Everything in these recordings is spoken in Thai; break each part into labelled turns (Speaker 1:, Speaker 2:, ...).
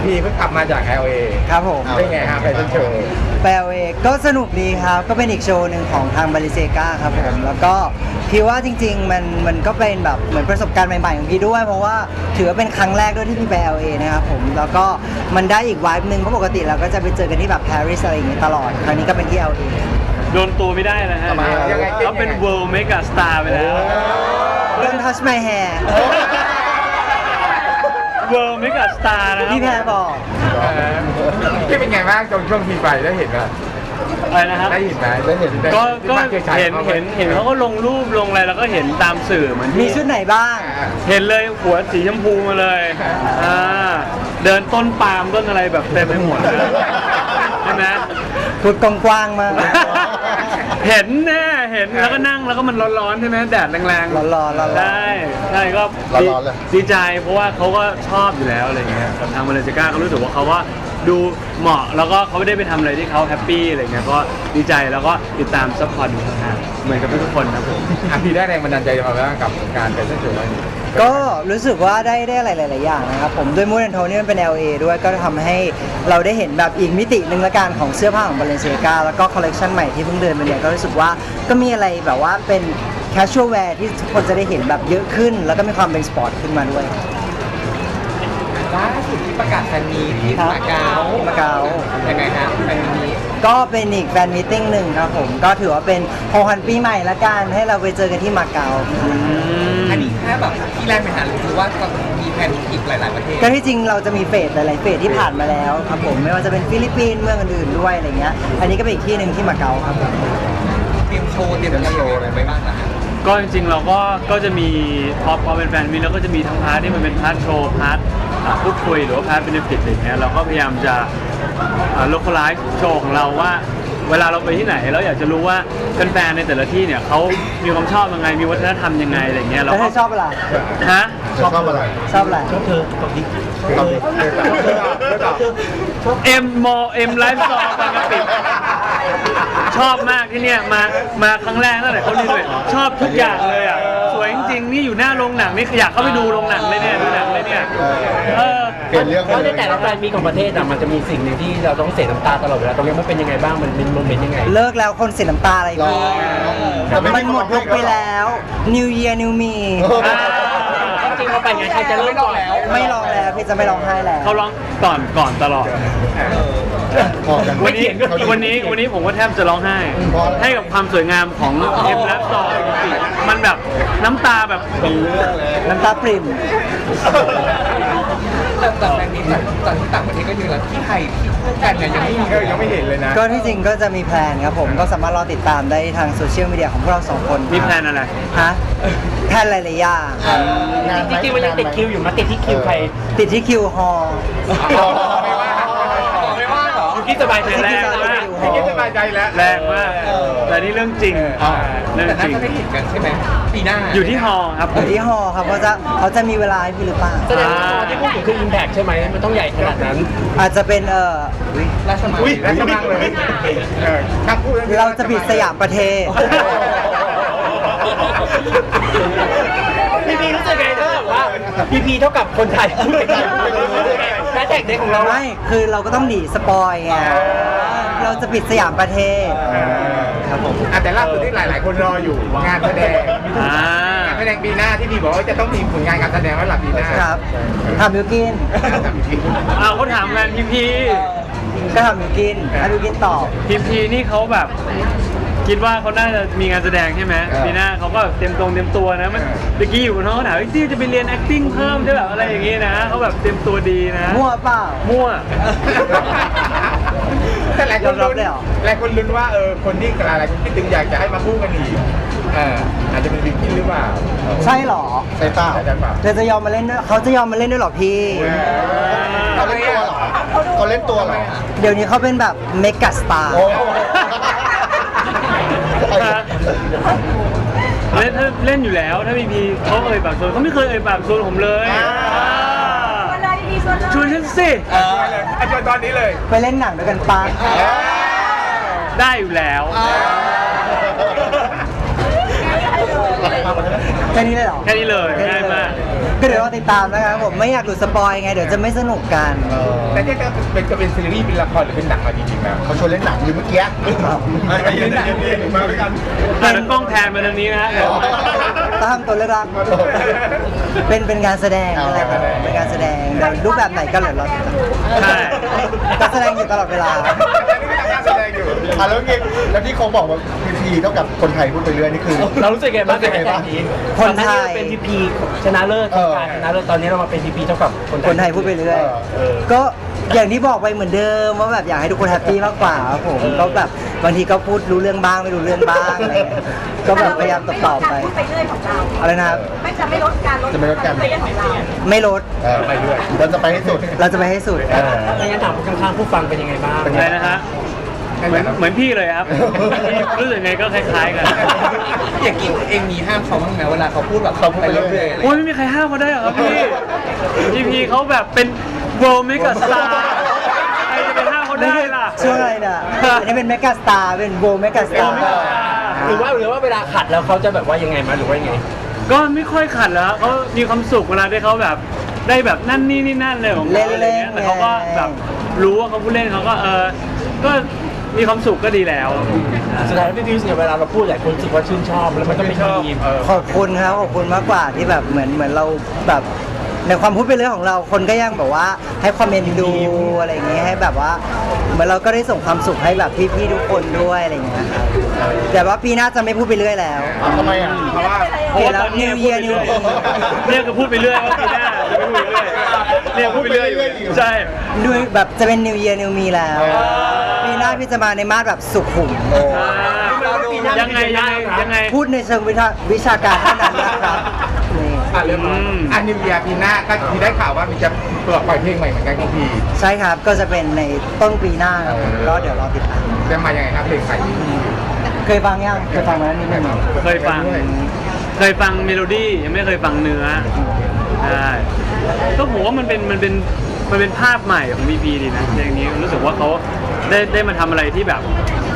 Speaker 1: พีเพิ่งกลับมาจาก LA
Speaker 2: ครับผม
Speaker 1: เป็นไงครับแฟชั่นโชว์
Speaker 2: แปลเวก็สนุกดีครับก็เป็นอีกโชว์หนึ่งของทางบาริเซกาครับผมแล้วก็พี่ว่าจริงๆมันก็เป็นแบบเหมือนประสบการณ์ใหม่ๆของพี่ด้วยเพราะว่าถือว่าเป็นครั้งแรกด้วยที่พี่ไป LA นะครับผมแล้วก็มันได้อีกวายหนึ่งเพราะปกติเราก็จะไปเจอกันที่แบบปารีสอะไรอย่างเงี้ยตลอดครั้งนี้ก็เป็นที่ LA
Speaker 3: โดนตัวไม่ได้นะฮะเขาเป็น World Mega Star ไปแล้ว
Speaker 2: Don't touch my hair
Speaker 3: World Mega Star นะครับ
Speaker 2: พี่แพรบอก
Speaker 1: ที่เป็นไงบ้างช่วงพีไปได้เห็นไหม
Speaker 3: อะไรนะครับ
Speaker 1: ได้เห็นไหมได้เห็น
Speaker 3: ก็
Speaker 1: เห็น
Speaker 3: เห็นเขาก็ลงรูปลงอะไรแล้วก็เห็นตามสื่อเหมือน
Speaker 2: มี
Speaker 3: ที่
Speaker 2: ชุดไหนบ้าง
Speaker 3: เห็นเลยหัวสีชมพูมาเลยเดินต้นปาล์มต้นอะไรแบบเต็มไปหมดเลยใช่ไหม
Speaker 2: พูดกว้างๆมาก
Speaker 3: เห็นแน่เห็นแล้วก็นั่งแล้วก็มันร้อนๆใช่ไหมแดดแรงๆ
Speaker 2: ร้อนๆ
Speaker 3: ใช่ก็
Speaker 4: ร้อนๆเลย
Speaker 3: ดีใจเพราะว่าเขาก็ชอบอยู่แล้วอะไรเงี้ยกับทางมาเลเซียก็รู้สึกว่าเขาก็ดูเหมาะแล้วก็เขาไม่ได้ไปทำอะไรที่เขาแฮปปี้อะไรเงี้ยก็ดีใจแล้วก็ติดตามซัพพอร์ตดูทางเหมือนกับทุกคนครับผม
Speaker 1: พีได้แรงบันดาลใจมาบ้างกับงานแฟชั่นโชว์นี้
Speaker 2: ก็รู้สึกว่าได้อะไรหลายๆอย่างนะครับผมด้วยมูดแอนโทนี่มันเป็น LA ด้วยก็ทำให้เราได้เห็นแบบอีกมิติหนึ่งละกันของเสื้อผ้าของ Balenciaga แล้วก็คอลเลกชันใหม่ที่เพิ่งเดินมาเนี่ยก็รู้สึกว่าก็มีอะไรแบบว่าเป็น casual wear ที่ทุกคนจะได้เห็นแบบเยอะขึ้น แล้วก็มีความเป็นสปอร์ตขึ้นมาด้วย
Speaker 1: ล่าสุดที่ประกาศแฟนมีที่
Speaker 2: ครับ
Speaker 1: มาเก๊า
Speaker 2: มาเก๊า
Speaker 1: ยังไงฮะแฟนมี
Speaker 2: ก็เป็นอีกแฟนมีตติ้งหนึ่งครับผมก็ถือว่าเป็นของขวัญปีใหม่ละกันให้เราไปเจอกันที่มาเก๊า
Speaker 1: อันนี้แค่แบบที่แรกไปหาหรือว่ามีแผนอีกหลายๆประเทศ
Speaker 2: ก็ที่จริงเราจะมีเฟสหลายๆเฟสที่ผ่านมาแล้วครับผมไม่ว่าจะเป็นฟิลิปปินส์เมืองอื่นๆด้วยอะไรเงี้ยอันนี้ก็เป็นอีกที่หนึ่งที่มาเก๊าครับผม
Speaker 1: เตรียมโชว์เตรียมอะไรไปบ้างนะฮะ
Speaker 3: ก็จริงๆเราก็จะมีพอเป็นแฟนมิตรเราก็จะมีทั้งพาร์ทที่มันเป็นพาร์ทโชว์พาร์ทพูดคุยหรือว่าพาร์ทเบนฟิตอะไรเงี้ยเราก็พยายามจะlocalize โชว์ของเราว่าเวลาเราไปที่ไหนเราอยากจะรู้ว่าแฟนๆในแต่ละที่เนี่ยเขามีความชอบยังไงมีวัฒนธรรมยังไงอะไรเงี้ยเรา
Speaker 2: แล้ว
Speaker 3: ก็
Speaker 2: เธอชอบอะไร
Speaker 3: ฮะ
Speaker 4: ชอบอะไร
Speaker 2: ชอบอะไร
Speaker 3: เอ็มไลฟ์สตอร์บางกะปิชอบมากที่เนี่ยมาครั้งแรกตั้งแต่เขารีโนเวทชอบทุกอย่างเลยอ่ะสวยจริงๆนี่อยู่หน้าโรงหนังนี่อยากเข้าไปดูโรงหนังเลยเนี่ยดูหนังเลยเนี่ย
Speaker 4: เปลี่ยนเรื่อง
Speaker 5: เพราะในแต่ละแบรนด์มีของประเทศอะมันจะมีสิ่งหนึ่งที่เราต้องเสียน้ำตาตลอดเวลาตรงนี้มันเป็นยังไงบ้างมันเป็นโมเมนต์ยังไง
Speaker 2: เลิกแล้วคนเสียน้ำตาอะไร
Speaker 4: รอ
Speaker 2: พี่
Speaker 4: แต่ไม่
Speaker 2: มันหมดยุคไปแล้ว New Year New Me
Speaker 5: จริงๆเราไปไงใครจะเริ่มก่อน
Speaker 2: ไม่ร้องแล้วพี่จะไม่ร้องไห้แล้ว
Speaker 3: เขาร้องก่อนตลอด
Speaker 4: พอกัน
Speaker 3: วันนี้ผมก็แทบจะร้องไห้ ให้กับความสวยงามของเอ็มและซอปกติมันแบบน้ำตาแบบ
Speaker 2: น้ำตาปริ่ม
Speaker 1: แต่แฟนมีจากที่ต่างประเทศก็มีแล้วที่ไทยที่คู่กันเนี่ยยังไม่เห็นเลยนะ
Speaker 2: ก็ที่จริงก็จะมีแพลนครับผมก็สามารถรอติดตามได้ทางโซเชียลมีเดียของพวกเราสองคน
Speaker 3: มีแพลนอะไร
Speaker 2: ฮะแพลนหลายๆอย่างครับ
Speaker 5: จริงๆมันยังติดคิวอยู่มาติดที่คิวใคร
Speaker 2: ติดที่คิวฮอล
Speaker 1: ไม่ว่าเหรอ
Speaker 5: อยู่ที่สบายใจ
Speaker 3: แรงมาก
Speaker 1: ไม่คิดสบายใจแล้ว
Speaker 3: แรงมากแต่นี่เรื่องจริงเรื่อง
Speaker 1: แต่
Speaker 3: จ
Speaker 1: น่า
Speaker 3: ริง
Speaker 1: จะได้เห็นกันใช่ไหมปีหน้า
Speaker 3: อยู่ที่ฮอลล์ครับ
Speaker 2: อยู่ที่ฮอลครับเขาจะมีเวลาให้พี่หรือเปล่า
Speaker 5: แสดงว่าที่พูดถึงคือ Impact ใช่ไหมมันต้องใหญ่ขนาดนั้น
Speaker 2: อาจจะเป็น
Speaker 1: ราชมังเลยข้ามพูด
Speaker 2: เราจะปิดสยามประเทศ
Speaker 5: พีรู้สึกไงถ้าแบบว่าพีเท่ากับคนไทยพูดไปกันแฮชแท็กเด็กของเรา
Speaker 2: ไม่คือเราก็ต้องหนีสปอยไงเราจะปิดสยามประเทศครับผม
Speaker 1: แต่ล่าสุดที่หลายๆคนรออยู่งานแสดงงานแสดงปีหน้าที่พี่บอกว่าจะต้องมีผลงานการแสดงไว้หลังปีหน้า
Speaker 2: ครับทำมิวกิน
Speaker 3: เขาถามงานพี
Speaker 2: ก็ทำมิวกินให้มิวกินตอบ
Speaker 3: พีนี่เขาแบบคิดว่าเขาน่าจะมีงานแสดงใช่ไหมปีหน้าเขาก็เตรียมตัวนะมันเมื่อกี้อยู่บนห้องเขาถามว่าที่จะไปเรียน acting เพิ่มใช่แบบอะไรอย่างงี้นะเขาแบบเตรียมตัวดีนะ
Speaker 2: มั่วเปล่า
Speaker 3: มั่ว
Speaker 1: แต่หลายคนลุ้นว่าคนที่หลายคนคิดถึงอยากจะให้มาคู่กันอีกอาจจะเป็นวิกกี้หรือเปล่า
Speaker 2: ใช่เหรอ
Speaker 4: ใส่เปล่า
Speaker 1: อาจจะเปล่า
Speaker 2: เธอจะยอมมาเล่นด้วยเขาจะยอมมาเล่นด้วยเหรอพี่
Speaker 4: เขาเล่นตัวเหรอเขาเล่นตัวเหรอ
Speaker 2: เดี๋ยวนี้เขาเป็นแบบเมกะสตาร์
Speaker 4: โอ้
Speaker 3: เล่นอยู่แล้วถ้าพีเขาเอ่ยปากชวนเขาไม่เคยเอ่ยปากชวนผมเลยชวนฉันสิ
Speaker 1: อาจารย์ตอนนี้เลย
Speaker 2: ไปเล่นหนังด้วยกันปะ
Speaker 3: ได้อยู่แล้ว
Speaker 2: แค่นี้เลยเหรอ
Speaker 3: แค่นี้เลยง่ายมาก
Speaker 2: ก็เดี๋ยวรอติดตามนะครับผมไม่อยากหลุดสปอยไงเดี๋ยวจะไม่สนุกกัน
Speaker 1: แต่เนี่ยจะเป็นซีรีส์เป็นละครหรือเป็นหนังมาจริงๆแล้ว
Speaker 4: เขาชวนเล่นหนังอยู่เมื่อกี้
Speaker 1: เป็นหนังมาด้วยกัน
Speaker 3: แต่กล้องแทนมาทางนี้นะฮะเดี๋ยว
Speaker 2: ตามตัวเลือกรักเป็นงานแสดงอะไรครับเป็นงานแสดงเดี๋ยวรูปแบบไหนก็เหลือเราติดตาม
Speaker 3: ใช่
Speaker 2: ก็แสดงอยู่ตลอดเวลา
Speaker 1: แสดงอยู่
Speaker 4: แล้วเงี้ยแล้วที่เขาบอกว่าพีเท่ากับคนไทยพูดไปเรื่อยนี่คือ
Speaker 5: เรารู้สึกไงบ้าง
Speaker 4: รู้สึกไงบ้าง
Speaker 2: คนไทย
Speaker 5: ก่อหาเราเป็นพีพีชนะเลิศการชนะเลิศตอนนี้เรามาเป็นพีพีเท่ากับคน
Speaker 2: คนไทยพูดไปเรื่อย ก็อย่างที่บอกไปเหมือนเดิมว่าแบบอยากให้ทุกคนแฮปปี้มากกว่าครับผมก็แบบบางทีก็พูดรู้เรื่องบ้างไม่รู้เรื่องบ้างอะไรเงี้ยก็แบบพยายามตอบไป
Speaker 6: พูดไปเรื่อยของเรา
Speaker 2: อะไรนะครับ
Speaker 6: ไม่ลดการลด
Speaker 4: จะไม่ลดการ
Speaker 6: ไปเรื่อยของเรา
Speaker 2: ไม่ลด
Speaker 4: ไปเรื่อยเราจะไปให้สุด
Speaker 2: เราจะไปให้สุด
Speaker 5: ไม่งั้นถามข้างๆผู้ฟังเป็นยังไงบ้าง
Speaker 3: อะไรนะฮะเหมือนพี่เลยครับพี่รู้สึกไงก็คล้ายๆกัน
Speaker 1: อย่างกี้เองมีห้ามเขาบ้างไหมเวลาเขาพูดแบบเขาไปเรื่อยๆ
Speaker 3: โอ้ยไม่มีใครห้ามเขาได้หรอครับพี่พีเขาแบบเป็น world mega star ใครจะไปห้ามเขาได้ล่ะ
Speaker 2: ช่วงอะไรเนี่ยอันนี้เป็นเมกาสตาร์เป็นโบเมกาสตาร์
Speaker 5: หรือว่าเวลาขัดแล้วเขาจะแบบว่ายังไงมาหรือว่ายังไง
Speaker 3: ก็ไม่ค่อยขัดแล้วเขามีความสุขเวลาที่เขาแบบได้แบบนั่นนี่นั่นเลยของเขาอะไรเงี้ยแต่เขาก็แบบรู้ว่าเขาผู้เล่นเขาก็ก็มีความสุขก็ดีแล้ว
Speaker 5: สุดท้ายพี่พิวเนี่ยเวลาเราพูดหลายคนรู้สึกว่าชื่นชอบแล้วมันก็เป็นมีม
Speaker 2: ขอบคุณครับขอบคุณมากกว่าที่แบบเหมือนเราแบบในความพูดเป็นเรื่องของเราคนก็ยังแบบว่าให้ความเมนดูอะไรอย่างเงี้ยให้แบบว่าเหมือนเราก็ได้ส่งความสุขให้แบบพี่ๆทุกคนด้วยอะไรอย่างเงี้ยครับแต่ว่าปีหน้าจะไม่พูดไปเรื่อยแล้ว
Speaker 4: ทำไมอ่ะ
Speaker 1: เพราะว่า
Speaker 2: เห็นแล้ว New Year New Me
Speaker 3: เนี่ยก็พูดไปเรื่อยว่าปีหน้าจะไม่พูดไปเรื่อยเนี่ยพูดไปเรื่อยอยู่ใช่
Speaker 2: ด้วยแบบจะเป็น New Year New Me แล้วปีหน้าพี่จะมาในมาสแบบสุขุม
Speaker 3: ยังไง
Speaker 2: พูดในเชิงวิชาการเท่านั้นนะครับนี่
Speaker 1: เรื่องอันนิวเยียปีหน้าก็ที่ได้ข่าวว่ามีจะปล่อยเพลงใหม่เหมือนกันของพี่
Speaker 2: ใช่ครับก็จะเป็นในต้นปีหน้าครับผมก็เดี๋ยวรอติดตาม
Speaker 1: จะมายังไงครับเพลงใหม่
Speaker 2: เคยฟังยังเคยฟังมาแล้วนิดนึง
Speaker 3: เคยฟังเมโลดี้ยังไม่เคยฟังเนื้อใช่ก็ผมว่ามันเป็นภาพใหม่ของบีพีดีนะอย่างนี้รู้สึกว่าเขาได้มาทำอะไรที่แบบ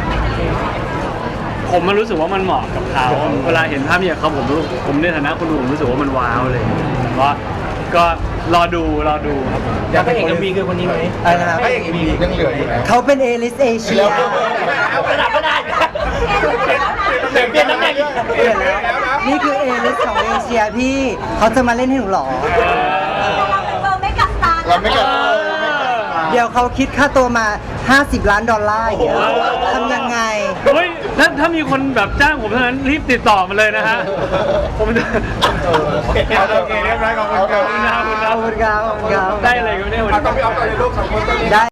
Speaker 3: ผมมันรู้สึกว่ามันเหมาะกับเขาเวลาเห็นภาพอย่างเขาผมในฐานะคนดูผมรู้สึกว่ามันว้าวเลยก็รอดูครับผม
Speaker 5: อยากให้เอกเอ็มวีคือคนนี้ไหม
Speaker 2: อะไรนะครับ
Speaker 1: ก็อย่างนี้ยังเหลืออยู่นะ
Speaker 2: เขาเป็นเอลิสเอเชีย
Speaker 5: เอากระดาษก็ได้เปลี่ยนตำแหน่ง
Speaker 2: เปลี่ยนแล้วนี่คือเอลิสของเอเชียพี่เขาจะมาเล่นให้หนูเหรอ
Speaker 6: เราไม่กัดตา
Speaker 4: เราไม่กัด
Speaker 2: เดี๋ยวเขาคิดค่าตัวมา$50 ล้านอย่างเงี้ยทำยังไง
Speaker 3: เฮ้ยถ้ามีคนแบบจ้างผมเท่านั้นรีบติดต่อมาเลยนะฮะผมจะ
Speaker 1: โอเคเรียบร้อยขอบคุณครับ
Speaker 2: ขอบคุณครับขอบคุณครับ
Speaker 3: ได้อะไรกันเนี่ยวัน
Speaker 1: เอา
Speaker 3: นี้
Speaker 1: ต้องไปเอาตัวในลูกสองคนตัวนี้
Speaker 2: ได้